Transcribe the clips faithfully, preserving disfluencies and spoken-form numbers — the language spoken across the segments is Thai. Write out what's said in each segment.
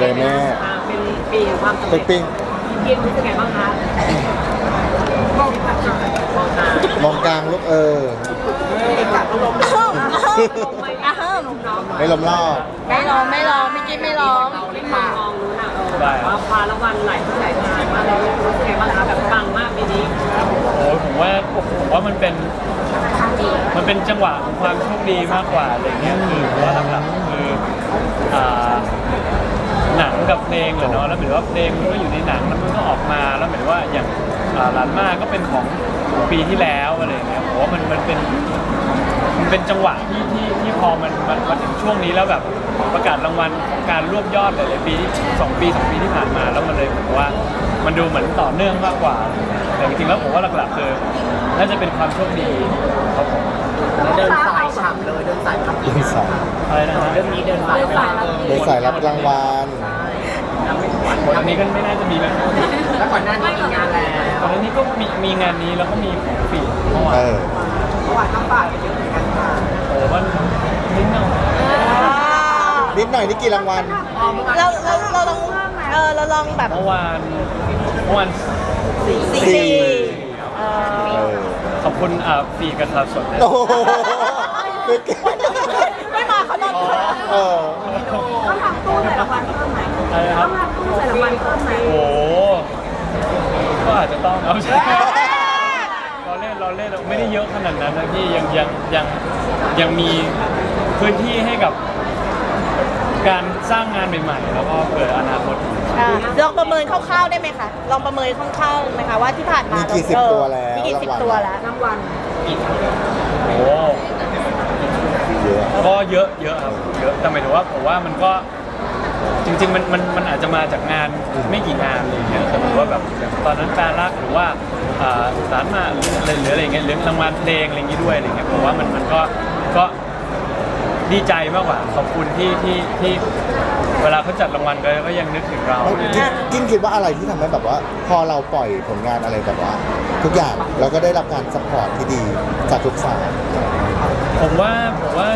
เลยแม่เป็นปีแห่งความสำเป็เร็นจปิ้งกินรู้สึกไงบ้างคะมองมองตามองกลางลูกเออเอกลักษณ์ลมลมลมไม่อ่ะเฮิมน้องไม่ล้มรอบไม่ร้องไม่ร้องพี่กิ๊ฟไม่ร้องเราได้มามองรู้นะเออว่าคว้ารางวัลหลายที่หลายงานมาเลยรู้สึกไงบ้างคะแบบปังมากปีนี้โอ้ผมว่าผมว่ามันเป็นมันเป็นจังหวะของความโชคดีมากกว่าอะไรเงี้ยคือเพราะว่าหลักๆคืออ่าหนังกับเพลงเหรอเนาะแล้วเหมือนว่าเพลงมันก็อยู่ในหนังแล้วมันก็ออกมาแล้วเหมือนว่าอย่างอ่าร้านมาก็เป็นของปีที่แล้วอะไรเงี้ยผมว่ามันมันเป็นมันเป็นจังหวะที่ที่ที่พอมันมันมาถึงช่วงนี้แล้วแบบประกาศรางวัลการรวบยอดหลายๆปีที่สองปีสองปีที่ผ่านมาแล้วมันเลยผมว่ามันดูเหมือนต่อเนื่องมากกว่าแต่จริงๆแล้วผมว่าหลักๆคือน่าจะเป็นความโชคดีครับผมเดินสายฉ่ำเลยเดินสายทำเดินสายอะไรนะฮะเรื่องนี้เดินสายไปแล้วเดินสายรับรางวัลอันนี้ก็ไม่น่าจะมีแล้วแล้วก่อนหน้านี้มีงานแล้วตอนนี้ก็มีมีงานนี้แล้วก็มีของฝีเมื่อวาเอน อเมื่อวานต้องฝากไปเยอะเหมือนกันค่ะโอ้มันนิดหน่อยนิดหน่อยนี่กี่รางวัลเราเราเราลองเออเราลองแบบเมื่อวานเมื่อวานสี่สี่เอเอออขอบคุณอ่าฝีกระทาสดด้วยโอ้โหไม่เก่งไม่มาเขานอนเออต้องทำตู้ใส่รางวัลเพิ่มไหมอะไรนะครับต้องทำตู้ใส่รางวัลเพิ่มไหมโอ้ก็อาจจะต้องเอาใช่เราเล่นเราเล่นเราไม่ได้เยอะขนาดนั้นนะพี่ยังยังยังยังมีพื้นที่ให้กับการสร้างงานใหม่ๆแล้วก็เผื่ออนาคตอ่ะลองประเมินคร่าวๆได้ไหมคะลองประเมินคร่าวๆไหมคะว่าที่ผ่านมามีกี่สิบเออตัวแล้วมีกี่สิบตัวแล้วรางวัลโอ้เยอะก็เยอะเยอะครับเยอะแต่หมายถึงว่าผมว่ามันก็จริงๆมันมันมันอาจจะมาจากงานไม่กี่งานอะไรอย่างเงี้ยแต่ผมว่าแบบอย่างตอนนั้นแฟนรักหรือว่าอ่าสารมาหรืออะไรหรืออะไรเงี้ยหรือรางวัลเพลงอะไรอย่างงี้ด้วยอะไรเงี้ยผมว่ามันมันก็ก็ดีใจมากกว่าขอบคุณที่ที่ที่เวลาเขาจัดรางวัลก็ยังนึกถึงเรากินกินคิดว่าอะไรที่ทำให้แบบว่า พอเราปล่อยผลงานอะไรแบบว่า ทุกอย่างเราก็ได้รับการสปอร์ตที่ดีจากทุกฝ่ายผมว่าผมว่า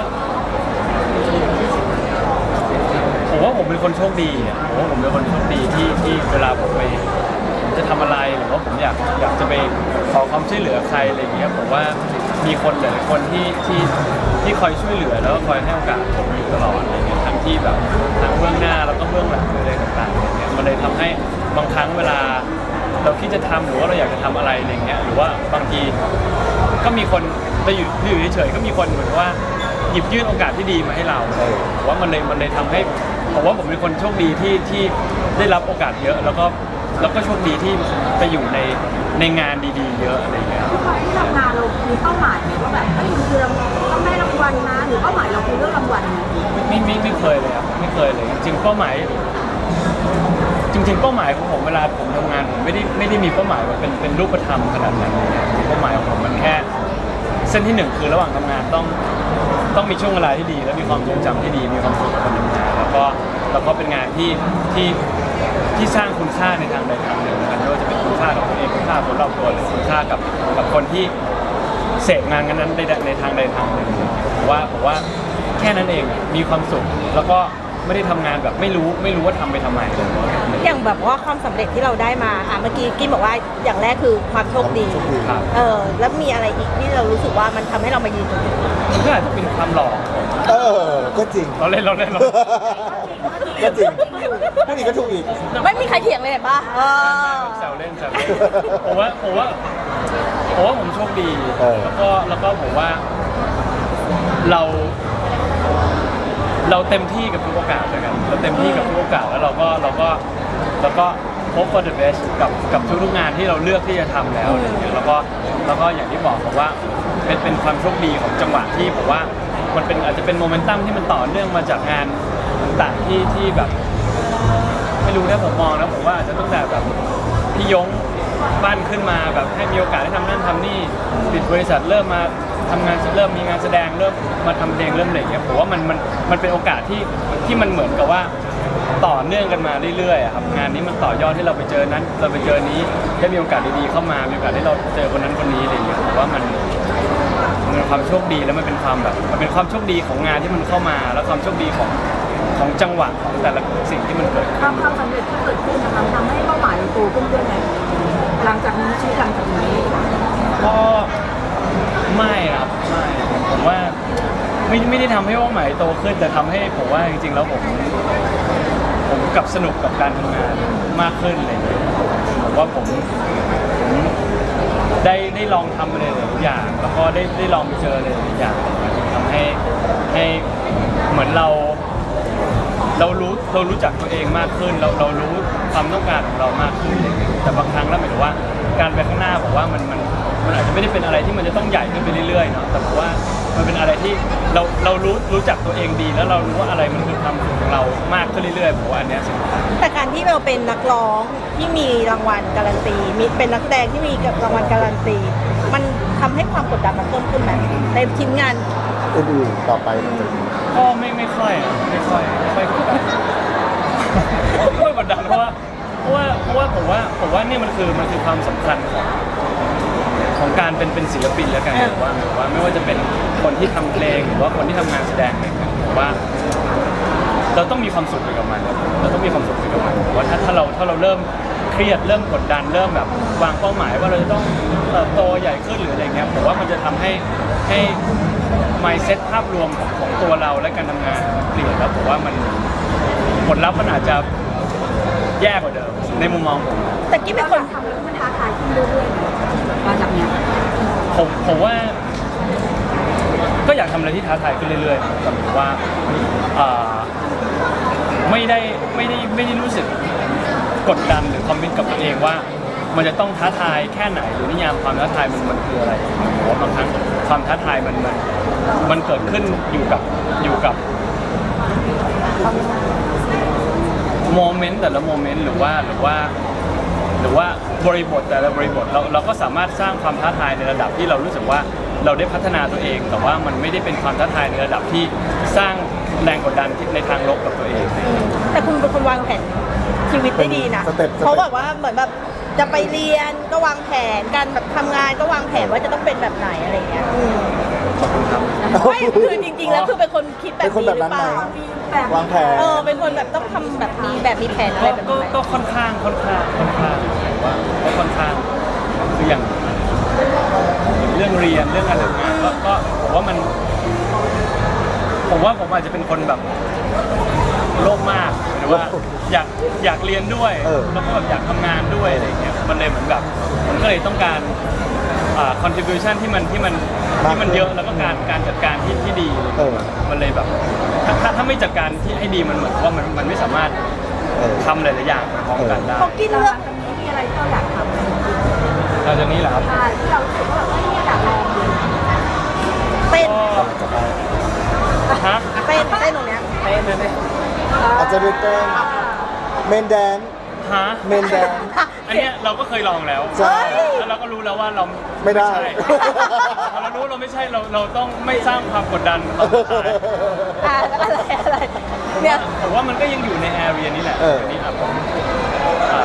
ผมว่าผมเป็นคนโชคดีอ่ะผมว่าผมเป็นคนโชคดีที่ที่เวลาผมไปผมจะทำอะไรหรือว่าผมอยากอยากจะไปขอความช่วยเหลือใครอะไรอย่างเงี้ยผมว่ามีคนหลายๆคนที่ที่ที่คอยช่วยเหลือแล้วก็คอยให้โอกาสผมอยู่ตลอดอะไรเงี้ยทั้งที่แบบทั้งเบื้องหน้าแล้วก็เบื้องหลังอะไรต่างๆอะไรเงี้ยมันเลยทำให้บางครั้งเวลาเราคิดจะทำหรือว่าเราอยากจะทำอะไรอะไรเงี้ยหรือว่าบางทีก็มีคนเราอยู่อยู่เฉยๆก็มีคนเหมือนว่าหยิบยื่นโอกาสที่ดีมาให้เราเออผมว่ามันเลยมันเลยทำให้ผมว่าผมเป็นคนโชคดีที่ที่ได้รับโอกาสเยอะ แล้วก็แล้วก็โชคดีที่ไปอยู่ในในงานดีๆ เยอะอะไรอย่างเงี้ยทุกครั้งที่ทำงานเรามีเป้าหมายไหมว่าแบบเอ้ยมันคือต้องได้รางวัลนะหรือเป้าหมายเราคือเรื่องรางวัลนะไม่ไม่ไม่เคยเลยครับไม่เคยเลย จริงๆเป้าหมาย จริง ๆ เป้าหมายของผมเวลาผมทำงานผมไม่ได้ไม่ได้มีเป้าหมายว่าเป็นเป็นรูปธรรมขนาดนั้นเลยนะเป้าหมายของผมมันแค่ เส้นที่หนึ่งคือระหว่างทำงานต้องต้องมีช่วงเวลาที่ดี และมีความทรงจำที่ดีมีความสุขกับการทำงานแล้วก็แล้วก็เป็นงานที่ที่ที่สร้างคุณค่าในทางใดทางหนึ่งนะครับไม่ว่าจะเป็นคุณค่ากับตัวเองคุณค่ากับคนรอบตัวหรือคุณค่ากับกับคนที่เสพงานนั้นในในทางใดทางหนึ่งผมว่าผมว่าแค่นั้นเองมีความสุขแล้วก็ไม่ได้ทำงานแบบไม่รู้ไม่รู้ว่าทำไปทำไมอย่างแบบว่าความสำเร็จที่เราได้มาอ่ะเมื่อกี้กินบอกว่าอย่างแรกคือความโชคดีครับเออแล้วมีอะไรอีกที่เรารู้สึกว่ามันทำให้เรามายืนตรงนี้มันก็อาจจะเป็นความหล่อของผมเออ ก็จริงเราเล่นเราเล่นเราก็จริงพูดอีกก็ถูกอีกไม่มีใครเถียงเลยเห็นปะเออแซวเล่นแซวเล่นผมว่าผมว่าผมว่าผมโชคดีเออแล้วก็แล้วก็ผมว่าเราเราเต็มที่กับทุกโอกาสด้วยกันเราเต็มที่กับทุกโอกาสแล้วเราก็เราก็แล้วก็ hope for the best กับกับทุกๆงานที่เราเลือกที่จะทำแล้วอะไรเงี้ยแล้วก็แล้วก็อย่างที่บอกผมว่าเป็นเป็นความโชคดีของจังหวะที่ผมว่ามันเป็นอาจจะเป็นโมเมนตัมที่มันต่อเนื่องมาจากงานต่างๆที่ที่แบบ ไม่รู้นะผมมองนะผมว่าอาจจะตั้งแต่แบบพี่ยงบ้านขึ้นมาแบบให้มีโอกาสได้ทำนั่นทำนี่ปิดบริษัทเริ่มมาทำงานเริ่มมีงานแสดงเริ่มมาทำเพลงเริ่มอะไรอย่างเงี้ยผมว่ามันมันมันเป็นโอกาสที่ที่มันเหมือนกับว่าต่อเนื่องกันมาเรื่อยๆอะครับงานนี้มันต่อยอดที่เราไปเจอนั้น เราไปเจอนี้ได้มีโอกาสดีๆเข้ามามีโอกาสที่เราเจอคนนั้นคนนี้อะไรอย่างเงี้ยผมว่ามันมันเป็นความโชคดีแล้วมันเป็นความแบบมันเป็นความโชคดีของงานที่มันเข้ามา แล้วความโชคดีของของจังหวะของแต่ละสิ่งที่มันเกิดความความสำเร็จที่เกิดขึ้นนะคะทำให้เป้าหมายเราโตขึ้นด้วยไหมหลังจากนี้ชีวิตหลังจากนี้ก็ไม่ครับไม่ผมว่าไม่ไม่ได้ทำให้เป้าหมายโตขึ้นแต่ทำให้ผมว่าจริงๆแล้วผมผมกลับสนุกกับการทำงานมากขึ้นอะไรอย่างเลยผมว่าผมผมได้ได้ลองทำอะไรหลายๆอย่าง แล้วก็ได้ได้ลองเจออะไรหลายๆอย่างทำให้ให้เหมือนเรา เรารู้เรารู้จักตัวเองมากขึ้นเราเรารู้ความต้องการของเรามากขึ้นอะไรอย่างเงี้ยแต่บางครั้งแล้วหมายถึงว่าการไปข้างหน้าผมว่ามันมันมันอาจจะไม่ได้เป็นอะไรที่มันจะต้องใหญ่ขึ้นไปเรื่อยๆเนาะแต่ผมว่ามันเป็นอะไรที่เราเรารู้รู้จักตัวเองดี แล้วเรารู้ว่าอะไรมันคือความสุขของเรามากขึ้นเรื่อยๆผมว่าอันเนี้ยสำคัญแต่การที่เราเป็นนักร้องที่มีรางวัลการันตีมีเป็นนักแสดงที่มีรางวัลการันตี มันทำให้ความกดดันมันเพิ่มขึ้นไหมในทีมงานอื่นๆต่อไปมันจะก็ไม่ไม่ค่อยอะไม่ค่อยไม่ค่อยกดดันไม่ค่อยกดดันเพราะว่าเพราะว่าเพราะว่าผมว่าผมว่านี่มันคือมันคือความสำคัญของของการเป็นเป็นศิลปินแล้วกันหรือว่าหรือว่าไม่ว่าจะเป็นคนที่ทำเพลงหรือว่าคนที่ทำงานแสดงอะไรอย่างเงี้ยผมว่า เราต้องมีความสุขไปกับมันครับเราต้องมีความสุขไปกับมันผมว่าถ้าถ้าเราถ้าเราเริ่มเครียดเริ่มกดดันเริ่มแบบวางเป้าหมายว่าเราจะต้องเติบโตใหญ่ขึ้นหรืออะไรเงี้ยผมว่ามันจะทำให้ให้ mindset ภาพรวมของของตัวเราและการทำงานมันเปลี่ยนแล้วผมว่ามันผลลัพธ์มันอาจจะแย่กว่าเดิมในมุมมองผมแต่กิ๊บเป็นคนทำให้มันท้าทายขึ้นเรื่อยๆมาจากเนี้ยผมผมว่าก็อยากทำอะไรที่ท้าทายขึ้นเรื่อยๆแต่ผมว่าอ่าไม่ได้ไม่ได้ไม่ได้รู้สึกกดดันหรือคอมมิตกับตัวเองว่ามันจะต้องท้าทายแค่ไหนหรือนิยามความท้าทายมันมันคืออะไรผมว่าบางครั้งความท้าทายมันมันมันเกิดขึ้นอยู่กับอยู่กับโมเมนต์แต่ละโมเมนต์หรือว่าหรือว่าหรือว่าบริบทแต่ละบริบทเราเราก็สามารถสร้างความท้าทายในระดับที่เรารู้สึกว่าเราได้พัฒนาตัวเอง แต่ว่ามันไม่ได้เป็นความท้าทายในระดับที่สร้างแรงกดดันในทางลบกับตัวเองแต่คุณเป็นคนวางแผนชีวิตได้ดีนะสเต็ปสเต็ปเขาแบบว่าเหมือนแบบจะไปเรียนก็วางแผนการแบบทำงานก็วางแผนว่าจะต้องเป็นแบบไหนอะไรเงี้ยอืมขอบคุณครับไม่คือจริงๆแล้วคือเป็นคนคิดแบบเป็นคนนี้แบบหรือนั้นเปไหมล่ามีแบบวางแผนเออเป็นคนแบบต้องทำแบบมีแบบมีแผนอะไรก็แบบก็นี้ไหมก็ค่อนข้างค่อนข้างค่อนข้างผมว่าก็ค่อนข้างคืออย่างอย่างเรื่องเรียนเรื่องการทำงานก็ก็ผมว่ามันผมว่าผมอาจจะเป็นคนแบบโลภมากหรือว่าอยากอยากเรียนด้วยเออแล้วก็แบบอยากทำงานด้วยอะไรอย่างเงี้ยมันเลยเหมือนแบบมันก็เลยต้องการอ่า contribution ที่มันที่มันที่มันเยอะแล้วก็การการจัดการที่ที่ดีเออมันเลยแบบถ้าถ้าถ้าไม่จัดการที่ให้ดีมันเหมือนว่ามันมันไม่สามารถเออทำหลายๆอย่างไปพร้อมกันได้เขากินหลัเลือกงจากนี้มีอะไรที่เราอยากทำไหมหลังจากนี้แหละครับใช่ที่เรารู้สึกว่าแบบเอ้ยเนี่ยอยากลองเลยเต้นก็ฮะเต้นเต้นตรงเนี้ยเต้นเต้นอาจจะเป็นเต้นเมนแดนฮะเมนแดนอันเนี้ยเราก็เคยลองแล้วใช่แล้วเราก็รู้แล้วว่าเราไม่ได้ใช่พอเรารู้เราไม่ใช่เราเราต้องไม่สร้างความกดดันความท้าทายอ่าอะไรอะไรเนี่ยผมว่ามันก็ยังอยู่ในแอเรียนี้แหละเอออันนี้ครับผมอ่า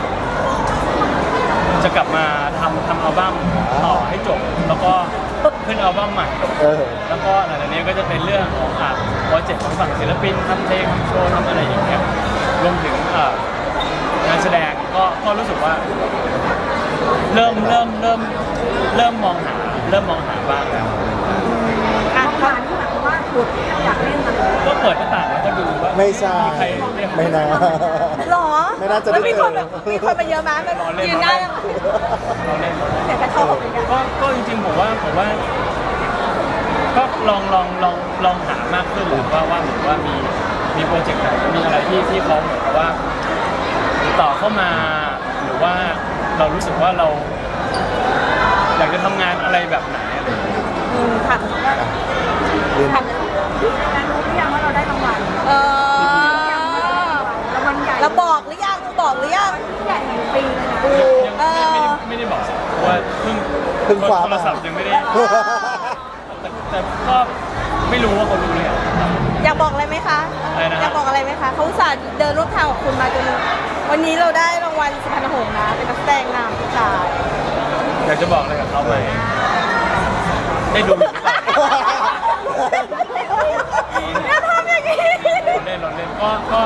จะกลับมาทำทำอัลบั้มต่อให้จบ แล้วก็ขึ้นอัลบั้มใหม่เออแล้วก็หลังจากนี้ก็จะเป็นเรื่องของอ่าโปรเจกต์ของฝั่งศิลปินทำเพลงทำโชว์ทำอะไรอย่างเงี้ยรวมถึงอ่างานแสดงก็ก็รู้สึกว่า เริ่มเริ่มเริ่มเริ่มมองหาเริ่มมองหาบ้างแล้วอ่ะทำงานที่หมายความว่าขุดอยากเล่นอะไรก็เปิดหน้าต่างแล้วก็ดูว่าไม่ใช่มีใครเรียกไม่น่าหรอไม่น่าจะได้แล้วมีคนเจอแบบมีคนมาเยอะมากแบบรอเล่นยืนหน้าเราเล่นเราเล่นเสียงกระชอกอย่างเงี้ยก็ก็จริงๆผมว่าผมว่า ก็ลองลองลองลองหามากขึ้นแหละว่าว่าเหมือนว่ามีมีโปรเจกต์ไหนมีอะไรที่ที่เขาเหมือนกับว่าติดต่อเข้ามาหรือว่าเรารู้สึกว่าเรา อยากจะทำงานอะไรแบบไหนอะไรอย่างเงี้ยอืมค่ะเรียนค่ะที่นั้นรู้หรือยังว่าเราได้รางวัลเออรางวัลใหญ่เราบอกหรือยังบอกหรือยังใหญ่แห่งปีเลยนะยังเออไม่ได้ไม่ได้บอกเพราะว่าเพิ่งเพิ่งคว้าโทมารศัพท์ยังไม่ได้แต่แต่ก็ไม่รู้ว่าเขารู้หรือยังอยากบอกอะไรไหมคะอะไรนะอยากบอกอะไรไหมคะเขาอุตส่าห์เดินรถทางกับคุณมาจนวันนี้เราได้รางวัลสุพรรณหงส์นะเป็นนักแสดงนำผู้ชายอยากจะบอกอะไรกับเขาไหมได้ดูอยู่หรือเปล่าอย่าทำอย่างนี้เราเล่นเราก็ก็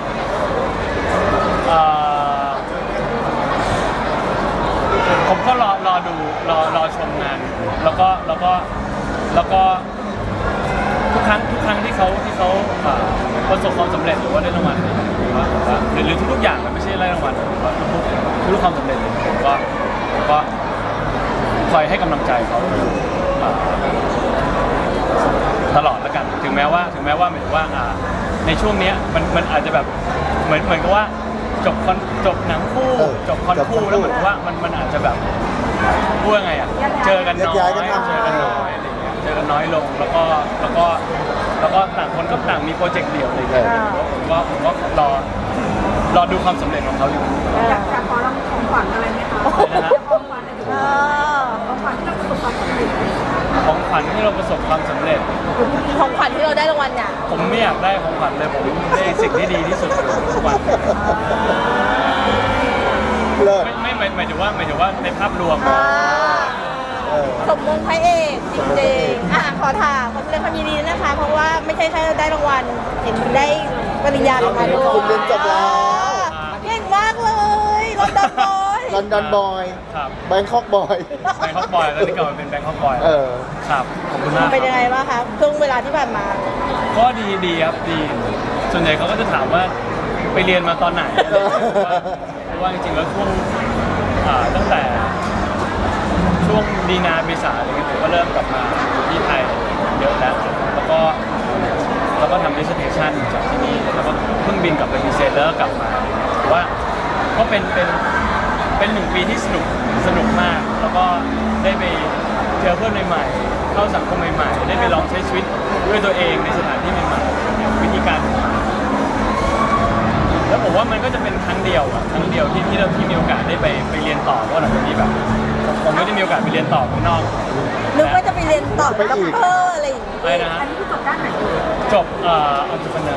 เอ่อผมก็รอรอดูรอรอชมงาน แล้วก็แล้วก็แล้วก็ทุกครั้งทุกครั้งที่เขาที่เขาเอ่อประสบความสำเร็จหรือว่าได้รางวัลหรือว่าหรือว่าหรือหรือทุกๆอย่างมันไม่ใช่ได้รางวัลหรือว่าทุกๆทุกๆความสำเร็จเลยผมก็ผมก็คอยให้กำลังใจเขาเอ่อตลอดแล้วกันถึงแม้ว่าถึงแม้ว่าหมายถึงว่าอ่าในช่วงเนี้ยมันมันอาจจะแบบเหมือนเหมือนกับว่าจบคอนจบหนังคู่เออจบคอนจบคอนคู่คู่แล้วเหมือนกับว่ามันมันอาจจะแบบพูดยังไงอ่ะเจอกันน้อยย้ายๆกันทำเจอกันน้อยอะไรอย่างเงี้ยเจอกันน้อยลงแล้วก็แล้วก็แล้วก็ต่างคนก็ต่างมีโปรเจกต์เดี่ยวอะไรอย่างเงี้ยผมก็ผมก็รอรอดูความสำเร็จของเขาอยู่อยากจะขอเราของขวัญอะไรไหมคะของขวัญอะไรเออของขวัญที่เราประสบความสำเร็จของขวัญที่เราประสบความสำเร็จของขวัญที่เราได้รางวัลเนี่ยผมไม่อยากได้ของขวัญเลยผมได้สิ่งที่ดีที่สุดทุกวันเลิศไม่ไม่หมายหมายถึงว่าหมายถึงว่าในภาพรวมอ่าเออสมมงพระเอกจริงๆอ่ะขอถามขอแสดงความยินดีด้วยนะคะ เพราะว่าไม่ใช่แค่ได้รางวัลเห็นได้ปริญญาลงมาด้วยคุณเรียนจบแล้วเก่งมากเลยลอนดอนบอยลอนดอนบอยครับแบงคอกบอยแบงคอกบอยแล้วที่เก่ามันเป็นแบงคอกบอยเออครับขอบคุณมากเป็นยังไงบ้างคะช่วงเวลาที่ผ่านมาก็ดีดีครับดี ส่วนใหญ่เขาก็จะถามว่าไปเรียนมาตอนไหนอะไรอย่างเงี้ยเพราะว่าจริงๆแล้วช่วงอ่าตั้งแต่ช่วงดีนาเมษาอะไรเงี้ยผมก็เริ่มกลับมาที่ไทยเยอะแล้วแล้วก็แล้วก็ทำ dissertation จากที่นี่แล้วก็เพิ่งบินกลับไปพรีเซนต์แล้วก็กลับมาแต่ว่าก็เป็นเป็นเป็นหนึ่งปีที่สนุกสนุกมาก แล้วก็ได้ไปเจอเพื่อนใหม่ๆเข้าสังคมใหม่ๆได้ไปลองใช้ชีวิตด้วยตัวเองในสถานที่ใหม่ๆวิธีการ แล้วผมว่ามันก็จะเป็นครั้งเดียวอะครั้งเดียวที่ที่เราที่มีโอกาสได้ไปไปเรียนต่อเพราะหลังจากนี้แบบผมไม่ได้มีโอกาสไปเรียนต่อข้างนอกนึกว่าจะไปเรียนต่อไปด็อกอีกเตอร์อะไรอย่างงี้อะไรนะฮะอันนี้คือจบด้านไหนจบเอ่ออัลติเนอร์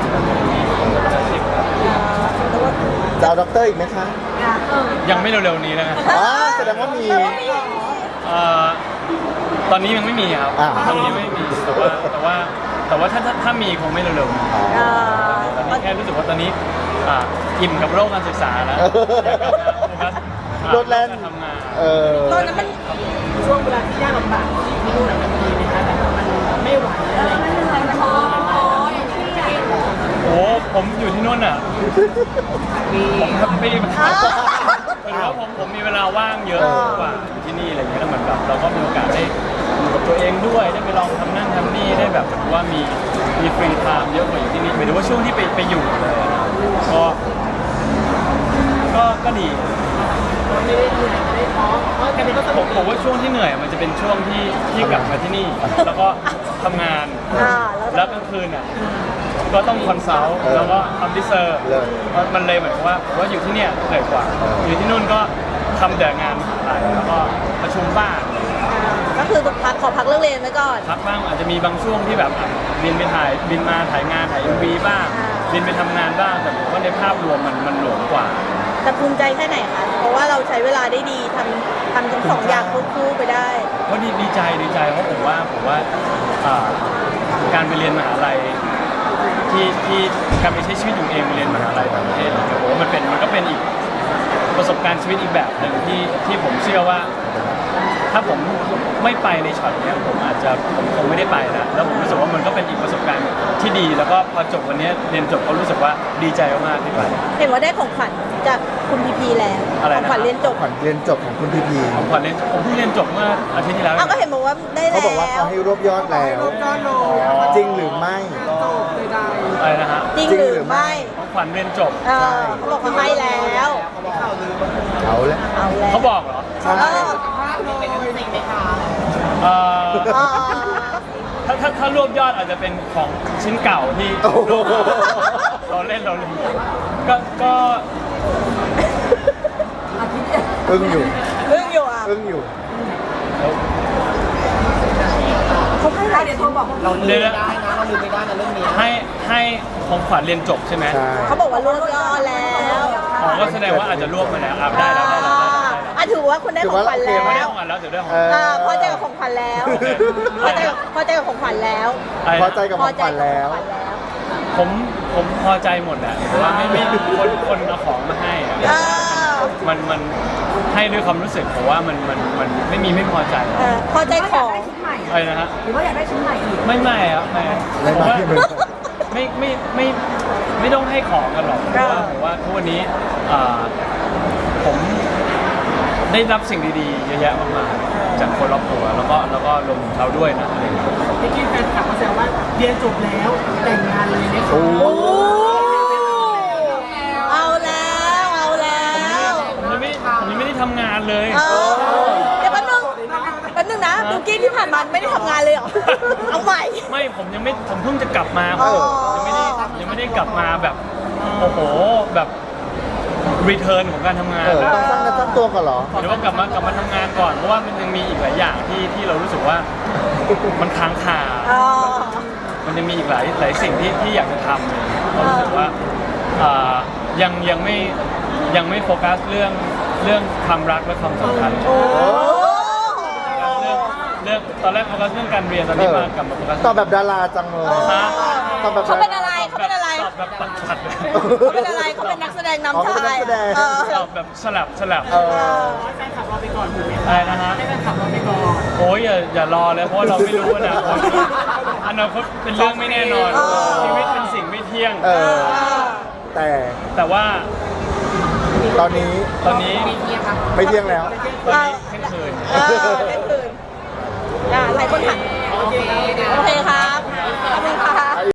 จะเอาด็อกเตอร์อีกไหมคะเออยังไม่เร็วๆนี้นะอ๋อแสดงว่ามีแต่ว่ามีเอ่อตอนนี้ยังไม่มีครับอ่าตอนนี้ไม่มีแต่ว่าแต่ว่าแต่ว่าถ้าถ้าถ้ามีคงไม่เร็วๆนี้อ๋อเอ่อตอนนี้แค่รู้สึกว่าตอนนี้อ่าอิ่มกับโลกการศึกษาแล้วอยากกลับมาโฟกัสอ่าโลดแล่นการทำงานเออตอนนั้นมันช่วงเวลาที่ยากลำบากที่นู่นน่ะมันมีไหมคะแบบมันไม่ไหวเออะไรอไม่เป็นไรมันพอมันพออย่างที่อยากโอ้ผมอยู่ที่นู่นอ่ะผมแฮปปี้มากอ้าวหมายถึงว่าผมผมมีเวลาว่างเยอะกว่าที่นี่อะไรเงี้ยแล้วเหมือนแบบเราก็มีโอกาสได้อยู่กับตัวเองด้วยได้ไปลองทำนั่นทำนี่ได้แบบว่ามีมีฟรีไทม์เยอะกว่าอยู่ที่นี่หมายถึงว่าช่วงที่ไปไปอยู่เลยอะก็ก็ก็ดีไม่ได้เหนื่อยไม่ได้ท้อเพราะกันนี้ก็สผนุมกผมว่าช่วงที่เหนื่อยมันจะเป็นช่วงที่ที่กลับมาที่นี่ แล้วก็ทำงานอ่าแล้วแล้วกลางคืนอ่ะก็ต้องคอนซัลท์เออแล้วก็ทำดิเซอร์เลิศมันเลยเหมือนกับว่าผมว่าอยู่ที่เนี่ยเหนื่อยกว่าเออออยู่ที่นู่นก็ทำแต่งานอะไรแล้วก็ประชุมบ้างก็คือพักขอพักเรื่องเรียนไว้ก่อนพักบ้างอาจจะมีบางช่วงที่แบบอ่ะบินไปถ่ายบินมาถ่ายงานถ่ายเอ็มวีบ้างอ่าบินไปทำงานบ้างแต่ผมว่าในภาพรวมมันมันหลวมกว่าแต่ภูมิใจแค่ไหนคะ เพราะว่าเราใช้เวลาได้ดีทำทำทั้งสองอย่างควบคู่ไปได้ก็ดีดีใจดีใจเพราะผมว่าผมว่าอ่าการไปเรียนมหาลัยที่ที่การไปใช้ชีวิตอยู่เองไปเรียนมหาลัยต่างประเทศเนี่ยผมว่ามันเป็นมันก็เป็นอีกประสบการณ์ชีวิตอีกแบบหนึ่งที่ที่ผมเชื่อว่า ถ้าผมไม่ไปในช็อตเนี้ยผมอาจจะผมคงไม่ได้ไปแล้วแล้วผมรู้สึกว่ามันก็เป็นอีกประสบการณ์ที่ดี แล้วก็พอจบวันเนี้ยเรียนจบก็รู้สึกว่าดีใจมากๆที่ไปเห็นว่าได้ของขวัญจากคุณพีพีแล้วอะไรขนะองขวัญเรียนจบขวัญเรียนจบของคุณพีพีผมขวัญเรียนผมเพิ่งเรียนจบเมื่ออาทิตย์ที่แล้วเอเอางก็เห็นบอกว่าได้แล้วเขาบอกว่าเขาให้รวบยอดแล้วก้อนโลจริงหรือไม่โตใดอะไรนะฮะจริงจริงหหรืรืออไม่ไม่ของขวัญเรียนจบเออเขาบอกเขาให้แล้วเอาแล้วเอาแล้วเขาบอกเหรอใช่เออๆเป็นจริงไหมคะเอ่อเออถ้าถ้าถ้ารวบยอดอาจจะเป็นของชิ้นเก่าที่โอ้โหเราเล่นเราเล่นก็ก็อาทิตย์เดียวอึ้งอยู่เรื่องอยู่อ่ะอึ้งอยู่เขาให้หลายเดี๋ยวโทรบอกว่าเราลืมไม่ได้นะเราลืมไม่ได้นะเรื่องนี้ให้ให้ของขวัญเรียนจบใช่ไหมใช่เขาบอกว่ารวบยอดแล้วอ๋อก็แสดงว่าอาจจะรวบมาแล้วอ่ะได้แล้วได้แล้วได้แล้วอ่ะถือว่าคุณได้ของขวัญถืแล้อวว่าได้เราของขวัญแล้วเดี๋ยวได้ของเอขวัญออ่าพอใจกับของขวัญแล้วพอใจกับพอใจกับของขวัญแล้วอะไรพอนะใจกับของขวัญแล้วผมผผมพอใจหมดแหละเพราะว่าไม่ไม่คนคนเอาของมาให้อะอ่ามันมันให้ด้วยความรู้สึกผมว่ามันมันมันไม่มีไม่พอใจเออพอใจหรือขว่าอยาอก งได้ชิ้นใหม่อะไรนะฮะหรือว่าอยากได้ชิ้นใหม่อีกไม่ไม่ครับไม่ไม่ผมไม่ว่าไม่ไม่ไม่ไม่ไม่ต้องให้ของกันหรอกเพราะว่าผมว่าทุกวันนี้อ่าผมได้รับสิ่งดีๆเยอะแยะมากมายจากคนรอบตัวแล้วก็แล้วก็รวมถึงเขาด้วยนะอะไรอย่างเงี้ยเมื่อกี้แฟนคลับเขาแซวว่าเรียนจบแล้วแต่งงานเลยไหมคะโอ้โอ้เอาแล้วเอาแล้วผมยังไม่ผมยังไม่ได้ทำงานเลยเออเดี๋ยวแป๊บนึงแป๊บนึงนะบิวกิ้นที่ผ่านมาไม่ได้ทำงานเลยเหรอเอาใหม่ไม่ผมยังไม่ผมเพิ่งจะกลับมาอ๋อยังไม่ได้ยังไม่ได้กลับมาแบบโอ้โหแบบรีเทิร์นของการทำงานเออต้องสร้างเนื้อสร้างตัวก่อนเหรอหรือว่ากลับมากลับมาทำงานก่อนเพราะว่ามันยังมีอีกหลายอย่างที่ที่เรารู้สึกว่ามันค้างคาอ๋อมันยังมีอีกหลายหลายสิ่งที่ที่อยากจะทำเลยเรารู้สึกว่าอ่ายังยังไม่ยังไม่โฟกัสเรื่องเรื่องความรักและความสัมพันธ์โอ้เรื่องเรื่องตอนแรกโฟกัสเรื่องการเรียนตอนนี้มากลับมาโฟกัสตอบแบบดาราจังเลยฮะตอบแบบเขาเป็นอะไรเขาเป็นอะไรตอบแบบตัดขัดเลยเขาเป็นอะไรเขาเป็นนักแสดงนำชายเออตอบแบบสลับสลับเออให้แฟนคลับเราไปก่อนถูกไหมอะไรนะฮะให้แฟนคลับเราไปก่อนโอ้ยอย่าอย่ารอเลยเพราะว่าเราไม่รู้อนาคตอนาคตเป็นเรื่องไม่แน่นอน ชีวิตเป็นสิ่งไม่เที่ยงเออ แต่แต่ว่าตอนนี้ตอนนี้ไม่เที่ยงแล้วตอนนี้เที่ยงคืนเออเล่นคืนอ่าหลายคนถามโอเคโอเคค่ะ